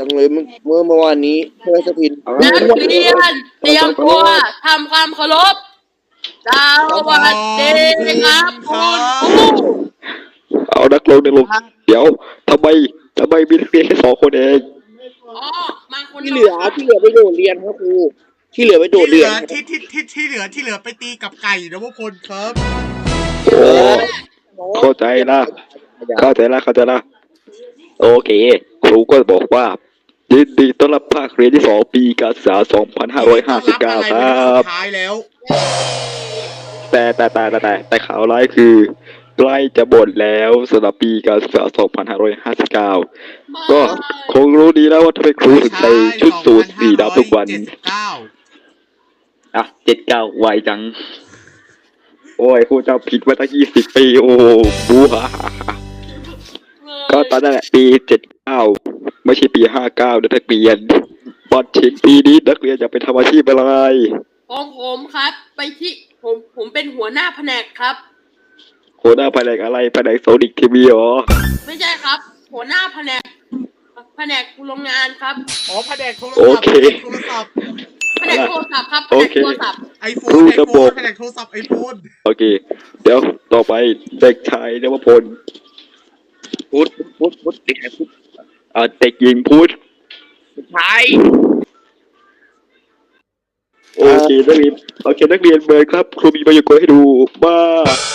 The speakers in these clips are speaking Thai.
เลยเมื่อวานนี้เพื่อสถินนักเรียนเตรียมตัวทำความเคารพสวัสดีครับคุณครูเอานักลงเดี๋ยวทำไมมีนักเรียนแค่2 คนเองอ๋อมาคนที่เหลือไปโดดเรียนครับครูที่เหลือไปโดดเรียนที่เหลือไปตีกับไก่นะพวกคนครับเข้าใจละโอเคครูก็บอกว่ายินดีต้อนรับภาคเรียนที่2ปีการศึกษา2559ครับท้ายแล้วแต่ข่าวร้ายคือใกล้จะหมดแล้วสำหรับปีการศึกษา2559ก็คงรู้ดีแล้วว่าทำไมครูถึงใส่ชุดสูทสีดำทุกวัน79ไวจังโอ้ยครูจำผิดมาตั้ง20 ปีโอ้บูฮ่าก็ตอนนั้นแหละปี79ไม่ใช่ปี59นักเรียนบอลชิงปีนี้นักเรียนจะไปทำอาชีพอะไรของผมครับไปที่ผมเป็นหัวหน้าแผนกครับหัวหน้าแผนกอะไรแผนกโซนิกทีวีหรอไม่ใช่ครับหัวหน้าแผนกโรงงานครับอ๋อแผนกโทรศัพท์แผนกโทรศัพท์ครับแผนกโทรศัพท์ไอโฟนแผนกโทรศัพท์ไอโฟนโอเคเดี๋ยวต่อไปเด็กชายนวพลพุทธเด็กชายพุทธเด็กหญิงพุทธใช่โอเคนักเรียนเบิร์นครับครูมีมายากลให้ดูบ้า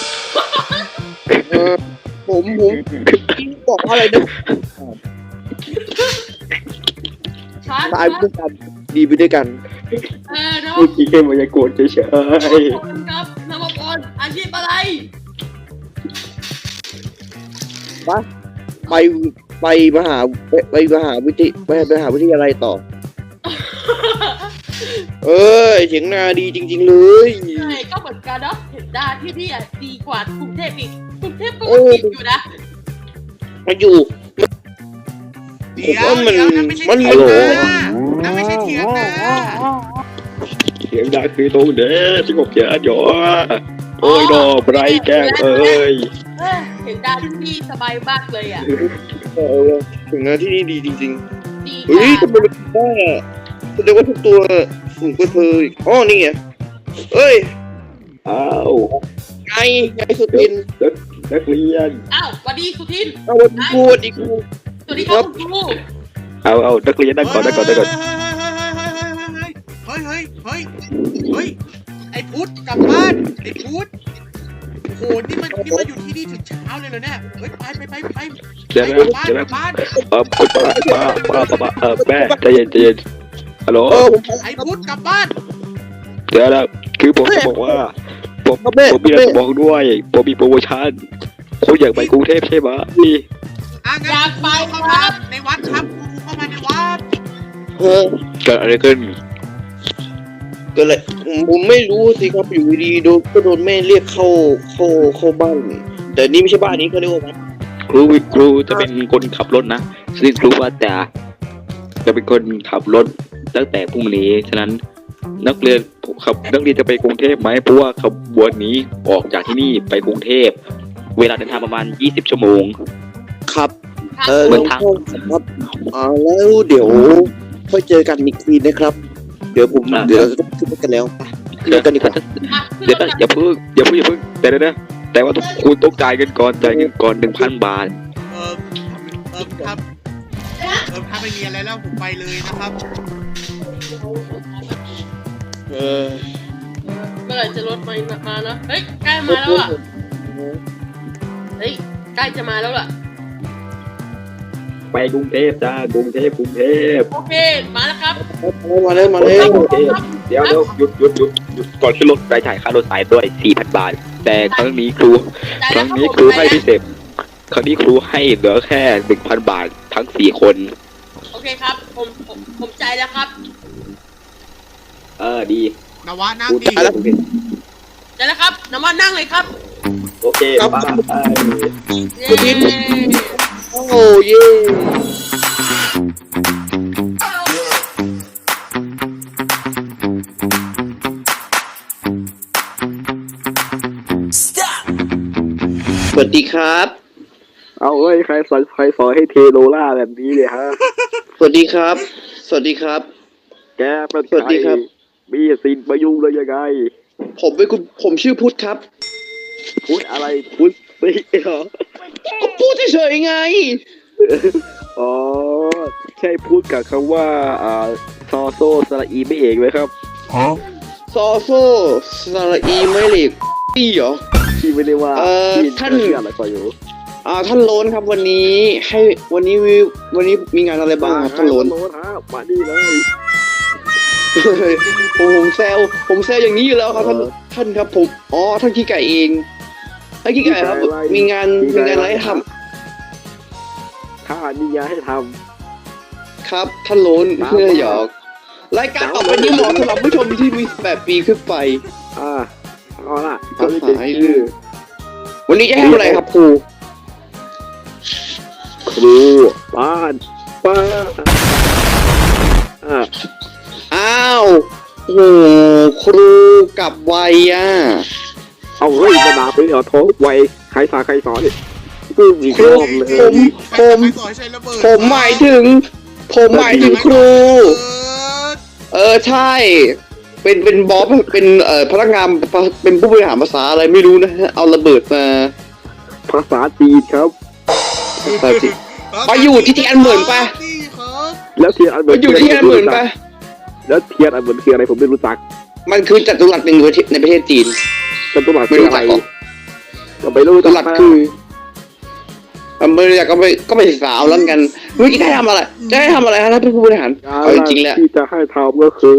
ผมบอกอะไรนะตายไปด้วยกันดีไปด้วยกันพูดแค่มายากลเฉยๆครับนวพลอาชีพอะไรไปมหาวิทยาลัยต่อเสียงนาดีจริงๆเลยใช่ก็เหมือนกันเนาะเห็นดาที่นี่ดีกว่ากรุงเทพอีกกรุงเทพก็ติดอยู่นะมาอยู่ผมว่ามันฮัลโหลนั่นไม่ใช่เถียงนะเสียงดังคือตรงเด้อที่ผมเจอหยอโอ้ยดอกไรแก้วเห็นดาที่นี่สบายมากเลยอ่ะถึงนะที่นี่ดีจริงๆดีทำไมมันได้แสดงว่าทุกตัวสูงกว่าเธออ๋อนี่ไงอ้าวไงสุทินนักเรียนอ้าวสวัสดีสุทินวันดีครูสวัสดีครับครูเอานักเรียนนั่งก่อนเฮ้ยไอ้พุทธกลับบ้านไอ้พุทธโอ้โหนี่มันอยู่ที่นี่ถึงเช้าเลยเหรอเนี่ยเฮ้ยไปเดี๋ยวบ้านป้าแม่ใจเย็นฮัลโหลไอ้พุทธกลับบ้านเดี๋ยวนะคือผมจะบอกว่าผมมีอะไรจะบอกด้วยผมมีโปรโมชั่นคุณอยากไปกรุงเทพใช่ไหมอยากไปครับในวัดครับเข้ามาในวัดเกิดอะไรขึ้นก็เลยผมไม่รู้สิครับอยู่ดีๆโดนแม่เรียกเข้าบ้านแต่นี่ไม่ใช่บ้านนี้เขาเรียกว่าวัดครูจะเป็นคนขับรถนะซึ่งครูว่าจะเป็นคนขับรถตั้งแต่พรุ่งนี้ฉะนั้นนักเรียนจะไปกรุงเทพไหมเพราะว่าขบวนนี้ออกจากที่นี่ไปกรุงเทพเวลาเดินทางประมาณ20 ชั่วโมงครับเหมือนทางครับแล้วเดี๋ยวค่อยเจอกันอีกทีนะครับเดี๋ยวเราจะขึ้นกันแล้วเดี๋ยวกันดีกว่าอย่าเพิ่งแต่ว่าคุณต้องจ่ายเงินก่อน 1,000 บาทครับถ้าไม่มีอะไรแล้วผมไปเลยนะครับเมื่อไหร่จะรถมานะเฮ้ยใกล้มาแล้วอ่ะใกล้จะมาแล้วล่ะไปกรุงเทพจ้ากรุงเทพโอเคมาแล้วครับมาเลยเดี๋ยวหยุดก่อนขึ้นรถไปจ่ายค่ารถสายด้วย 4,000 บาทแต่ครั้งนี้ครูให้พิเศษครั้งนี้ครูให้เหลือแค่ 1,000 บาททั้ง4 คนโอเคครับผมใจแล้วครับดีนวะนั่งดีใจแล้วครับนวะนั่งเลยครับโอเคไปโอ้เย่สวัสดีครับเอาเฮ้ยใครสอนให้เทโลล่าแบบนี้เนี่ยฮะสวัสดีครับ สวัสดีครับแกเป็นสวัสดีครับมีสินมายุ่งเลยยังไงผมชื่อพุทธครับพูดอะไรพูดสิเหรอก็พูดเฉยๆไงอ๋อใช่พูดกับคำว่าซอโซสระอีไม่เอกไหมครับซอโซสระอีไม่เหล็กพี่เหรอที่ไม่ได้ว่า ที่ท่านเชื่ออะไรก็อยู่ท่านโลนครับวันนี้มีงานอะไรบ้างครับท่านโลนโลนฮะมานี่เลยผมแซวอย่างนี้อยู่แล้วครับท่านครับผมท่านขี้ไก่เองท่านขี้ไก่ครับมีงานอะไรให้ทข้ามีงานให้ทำครับท่านโลนเพื่อหยอกรายการต่อไปนี้เหมาะสำหรับผู้ชมที่มี8 ปีขึ้นไปำเอาล่ะครับจะเป็นชื่อวันนี้จะให้ทำอะไรครับครูครูบ้านป้าอ้าวโอ้โหครูกลับไวอ่ะเอาเฮ้ยมาด่าไปเหรอท้องไวใครสอนเนี่ยกูอีกรอบเลยผมใครสอนใช้ระเบิดผมหมายถึงครู ใช่ เป็นบอสเป็นพนักงานเป็นผู้บริหารภาษาอะไรไม่รู้นะฮะเอาระเบิดมาภาษาจีนครับไปสิ ไปอยู่ที่ที่อันเหมือนปะนี่ครับแล้วเทียนอันเหมืไปอนอยู่ที่อันเหมือนปะแล้วเทียนอันเหมือนคืออะไรผมไม่รู้จักมันคือจัตุรัสหนึ่งในประเทศจีนจัตุรัสไม่คือรู้อะไรจักหรอก็ไม่รู้จัตุรัสคือไม่รู้จักก็ไปศึกษาเอาแล้วกันเมื่อกี้จะให้ทำอะไรฮะท่านผู้บริหารเอาจริงๆแล้วที่จะให้ทำก็คือ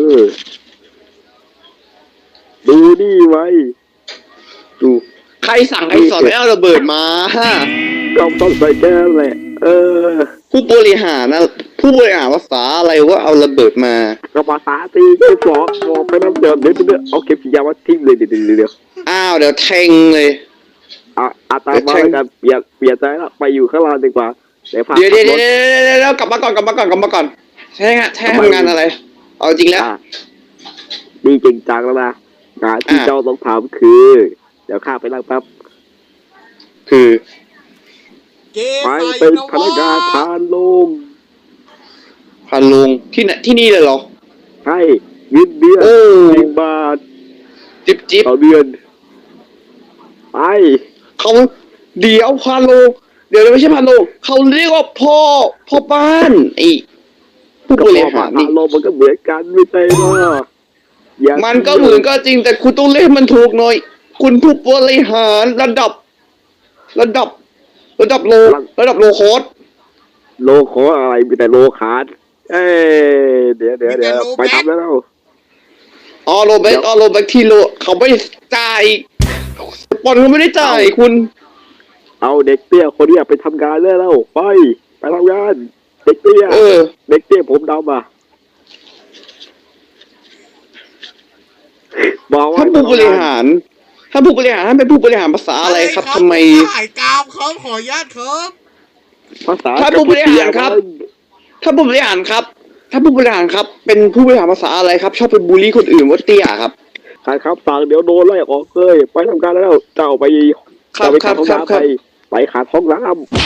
ดูนี่ไว้ดูใครสั่งให้สอนให้เอาระเบิดมาฮะกำต้องใส่แก้แหละผู้บริหารภาษาอะไรว่าเอาระเบิดมาก็ภาษาจีนก็บอกไปน้ำเดือดเดี๋ยวเอาเข็มฉีดยามาทิ้งเลยเดี๋ยวอ้าวเดี๋ยวแทงเลยอาตามมาแล้วกันเปลี่ยนใจแล้วไปอยู่ข้างล่างดีกว่าเดี๋ยวพาเดี๋ยวกลับมาก่อนใช่ฮะทำงานอะไร เอาจริงแล้วนี่จริงจังแล้วนะงานที่เจ้าต้องทำคือ เดี๋ยวข้าไปนั่งแป๊บคือเกไปใส่เป็นนะพนักงานทานลมพันลุงที่นี่เลยเหรอใช่เงินเดือนโอ้ 10 บาทจิ๊บต่อเดือนไปเขาเดี๋ยวพันลุงเดี๋ยวไม่ใช่พันลุงเขาเรียกว่าพ่อบ้านไอ้ผู้บริหารทานี่นลมมันก็เหมือนกันไม่ใช่เหรออย่ามันก็เหมือนก็จริงแต่คุณต้องเรียกมันถูกหน่อย คุณผู้บริหารระดับโลโคสโลขออะไรมีแต่โลขาดเดี๋ยวไปทำแล้วโรเบกที่โลเขาไม่ได้จ่ายสปอนเขาไม่ได้จ่ายคุณเอาเด็กเตี้ยคนนี้ไปทำงานแล้วไปทำงานเด็กเตี้ยเด็กเตี้ยผมดำอ่ะบอกว่าท่านผู้บริหารท่านเป็นผู้บริหารภาษาอะไรครับทำไมถ่ายกาวครับขออนุญาตครับภาษาท่านผู้บริหารครับ ท่านผู้บริหารครับ เป็นผู้บริหารภาษาอะไรครับ ชอบไปบูลลี่คนอื่นว่าเตี้ยครับใครครับสั่งเดี๋ยวโดนไล่ออกเลยไปทำการแล้วเจ้าไปไปขาดห้องน้ำไปขาดห้องน้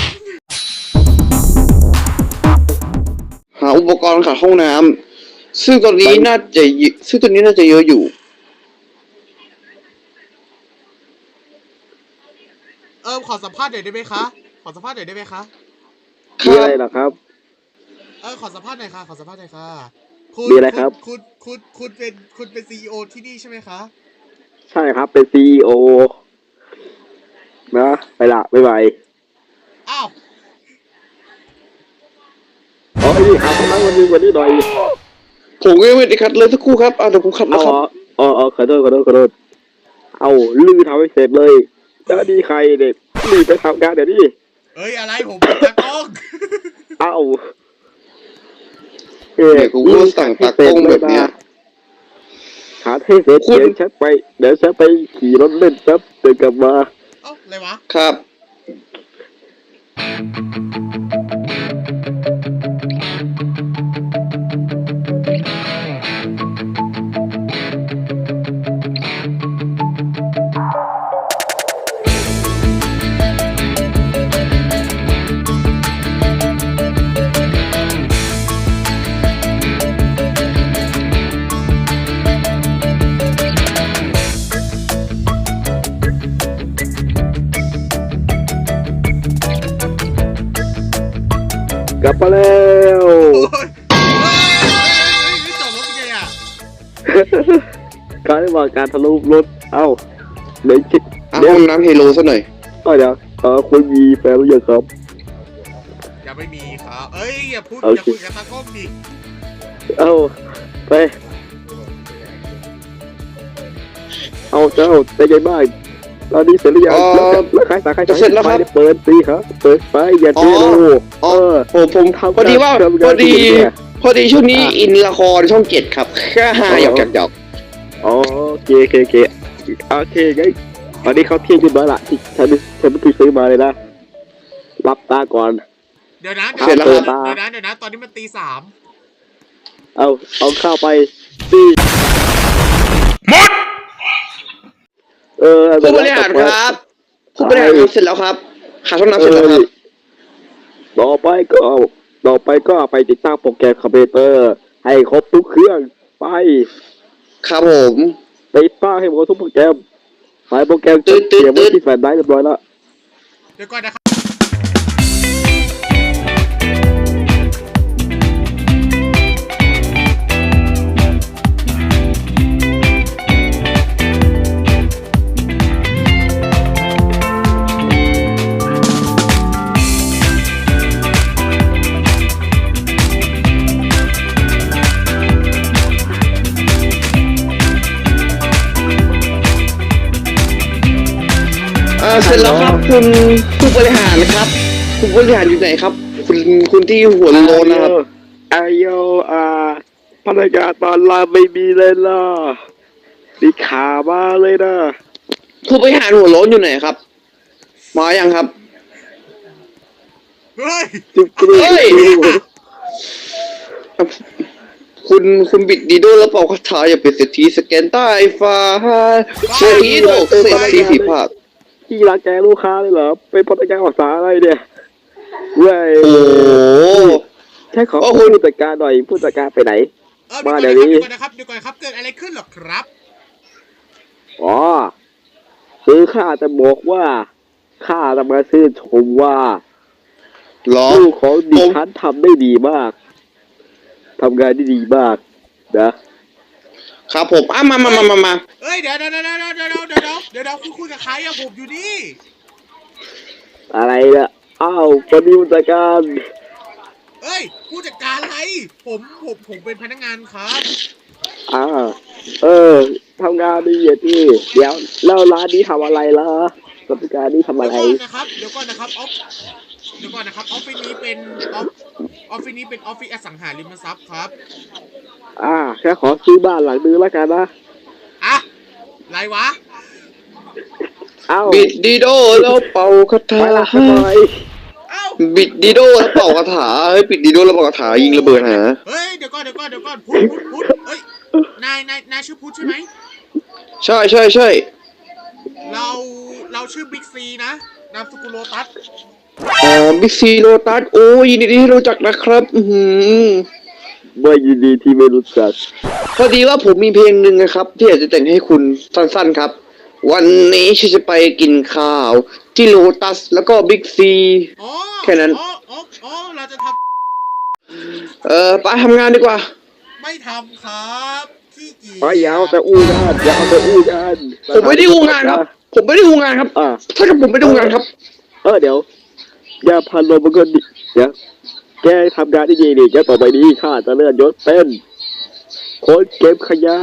หาอุปกรณ์ขัดห้องน้ำซึ่งตอนนี้น่าจะเยอะอยู่ขอสัมภาษณ์หน่อยได้ไหมคะำมีอะไรเหรอครับขอสัมภาษณ์หน่อยค่ะมีอะไรครับคุณเป็นซีอีโอที่นี่ใช่ไหมคะใช่ครับเป็น CEO นะไปละบ๊ายบายอ้าวนี่หาห้องน้ำวันนี้หน่อยผมก็ไม่ได้ขัดเลยสักครู่ครับเดี๋ยวผมขัดนะครับขอโทษเอาลื้อทำให้เสร็จเลยแล้วนี่ใครเด็กรีบไปทำงานเดี๋ยวนี้เอ้ยอะไรผมเป็นตากล้องเอาเดี๋ยวกูก็สั่งตากล้องแบบเนี้ยหาให้เสร็จเดี๋ยวฉันไปขี่รถเล่นแป๊บเดินกลับมาเอ้าอะไรวะครับกลับมาแล้วโอ้ยจอดรถยังไงอ่ะการระหว่างการทะลุรถเอ้าเดี๋ยวคิดห้องน้ำเฮโลซะหน่อยเดี๋ยวคุณมีแฟนหรือยังครับยังไม่มีครับเอ้ยอย่าพูดโออย่าเคคุยกับตากล้องดิเอ้าไปเอาเจ้าได้ยังบ้างตอนนี้เสร็จหรือยังแล้วใครสาใครเปิดสิครับเปิดไฟอย่าเทโลผมพอดีว่าพอดีช่วงนี้อินละครช่องเจ็ดครับแค่หาหยอกอ๋อโอเคไงตอนนี้เขาเที่ยงขึ้นมาละที่ฉันเพิ่งซื้อมาเลยนะรับตาก่อนเดี๋ยวนะเสร็จแล้วครับเดี๋ยวนะตอนนี้มันตี 3 เอาข้าวไปสิผู้บริหารครับผู้บริหารครับเสร็จแล้วครับหาช่องน้ำเสร็จแล้วครับต่อไปก็ไปติดตั้งโปรแกรมคอมพิวเตอร์ให้ครบทุกเครื่องไปครับผมติดตั้งให้หมดทุกโปรแกรมไฟล์โปรแกรมเตรียมไว้ที่แฟลชไดรฟ์เรียบร้อยแล้วเดี๋ยวก่อนนะครับเสร็จแล้วครับคุณผู้บริหารครับคุณผู้บริหารอยู่ไหนครับ คุณที่หัวโลนนะครับไอโยพนักงานตอนรับไม่มีเลยล่ะนี่ขามาเลยนะผู้บริหารหัวโลนอยู่ไหนครับมายังครับเฮ้ยเฮ้ย คุณบิดดีโดแล้วเป่าคาถาอย่าเป็นเศรษฐีสแกนใต้ฟ้าเศรษฐีโลกเศรษฐีผีผาดที่รังแกลูกค้าเลยเหรอเป็นพนักงานภาษาอะไรเนี่ยเว้ยโอ้โหใช่ขอผู้จัดการหน่อยผู้จัดการไปไหนเดี๋ยวก่อนนะครับเกิดอะไรขึ้นหรอครับอ๋อคือข้าจะบอกว่าข้าจะมาชื่นชมว่าหรอลูกของดิฉันทำได้ดีมากทำงานได้ดีมากนะครับผมมาเอ้ยเดี๋ยวคุณคุยกับใครอะผมอยู่นี่อะไรเนี่ยอ้าวคนนี้ผู้จัดการเอ้ยผู้จัดการอะไรผมเป็นพนักงานครับทำงานดีอย่างที่เดี๋ยวแล้วร้านนี้ทำอะไรล่ะผู้จัดการนี่ทำอะไรเดี๋ยวก่อนนะครับออฟฟิศนี้เป็นออฟฟิศอสังหาริมทรัพย์ครับแค่ขอซื้อบ้านหลังนึงแล้วกันนะอะไรวะบิดดีโดแล้วเป่าคาถาไปละทำไมเอ้าบิดดีโดแล้วเป่าคาถาเฮ้ยบิดดีโดแล้วเป่าคาถายิงระเบิดหาเฮ้ยเดี๋ยวก่อนพุทธเฮ้ยนายชื่อพุทธใช่ไหมใช่เราชื่อบิ๊กซีนะนามสกุลโลตัสบิ๊กซีโลตัสโอ้ยินดีที่รู้จักนะครับไม่ยินดีที่ไม่รู้จักพอดีว่าผมมีเพลงหนึ่งนะครับ ที่อยากจะแต่งให้คุณสั้นๆครับ วันนี้ฉันจะไปกินข้าวที่โลตัสแล้วก็บิ๊กซีอ๋อแค่นั้นอ๋อเราจะทไปทำงานดีกว่าำไม่ทำครับขี้เกียจอย่าเอาแต่อู้กันผมไม่ได้อู้งานครับ ถ้ากับผมไม่ได้อู้งานครับเดี๋ยวอย่าพันลมมันก็ดิเดี๋ยวแกทำงานได้ดีดิแกต่อไปนี้ข้าจะเลื่อนยศเป็นคนเก็บขยะ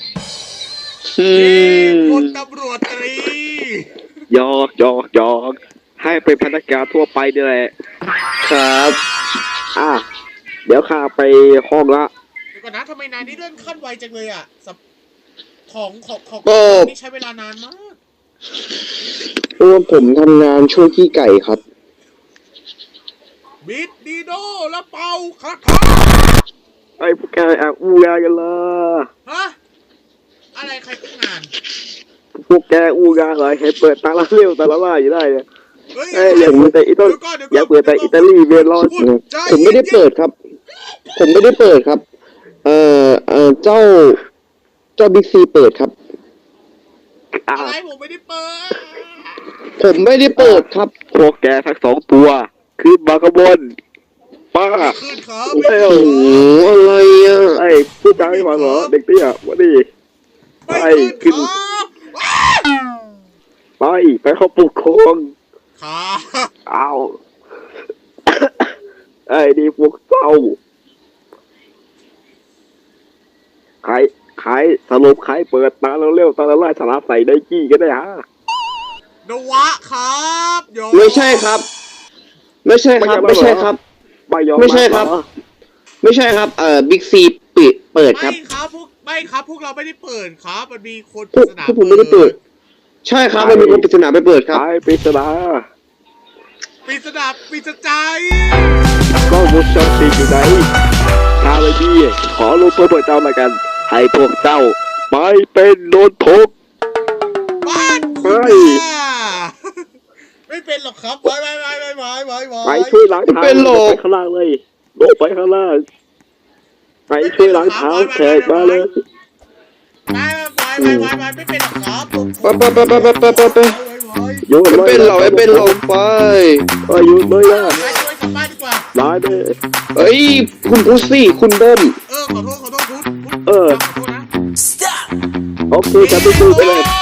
พลตำรวจตรีหยอกให้เป็นพนักงานทั่วไปนี่แหละครับเดี๋ยวข้าไปห้องละเดี๋ยวก่อนนะทำไมนายนี่เลื่อนขั้นไวจังเลยอะของนี่ใช้เวลานานมากตัวผมทำงานช่วยพี่ไก่ครับบิดดีโดแล้วเป่าคาถาไอ้พวกแกอู้งานกันละฮะอะไรใครพูดงานพวกแกอู้งานเหรอเห็นเปิดตาละเร็วตาละล่าอยู่ได้เนี่ยเฮ้ยอย่าเปิดแต่อิตาลีอย่าเปิดแต่อิตาลีเวลอนผมไม่ได้เปิดครับ เจ้าบิ๊กซีเปิดครับอะไรผมไม่ได้เปิดผมไม่ได้เปิดครับพวกแกทั้งสองตัวขึ้นมากระบนป้าขึ้นครับเอ้ยโอ้โหอะไรอ่ะไอ้พูดจาไม่ฟังเหรอเด็กเตี้ยวันนี้ไม่ขึ้นครับไปเข้าปลุกคงครับเอาไอ้นี่พวกเศร้าใครสรุปใครเปิดตาเร็วๆตาละลายสาระใส่ไดกี้กันได้ฮะนวะครับโยไม่ใช่ครับ ไม่ใช่ครับ ไม่ใช่ครับไม่ยอมไม่ใช่ครับเหอไม่ใช่ครับบิ๊กซีเปิดครับไม่ครับพวกเราไม่ได้เปิดครับมันมีคนปพวริกศนาพวกผมไม่ได้เปิด ใช่ครับมันมีคนปริศนาไปเปิดครับใครปริศนาปริศใจก็วงจรปิดอยู่ไหนชาเลยพี่ขอลงโทษพวกเจ้าละกัน ให้พวกเจ้าไม่เป็นโดนทุกบ้านเฮ้คุณยน่ะไม่เป็นหรอกครับไว้ไปช่วยล้างเท้าเป็นหรอกไปข้างล่างเลยลงไปข้างล่างไปช่วยล้างเท้าแขกมาเลยไม่เป็นหรอกครับไปโยนไม่เลยเป็นหรอกไม่เป็นหรอกไปโยนเลยนะไปช่วยกลับบ้านดีกว่าร้ายเลยเอ้ยคุณพุซซี่คุณเบิ้มขอโทษพุทธเออขอโทษนะโอเคจะไปดูไปเลยโอ้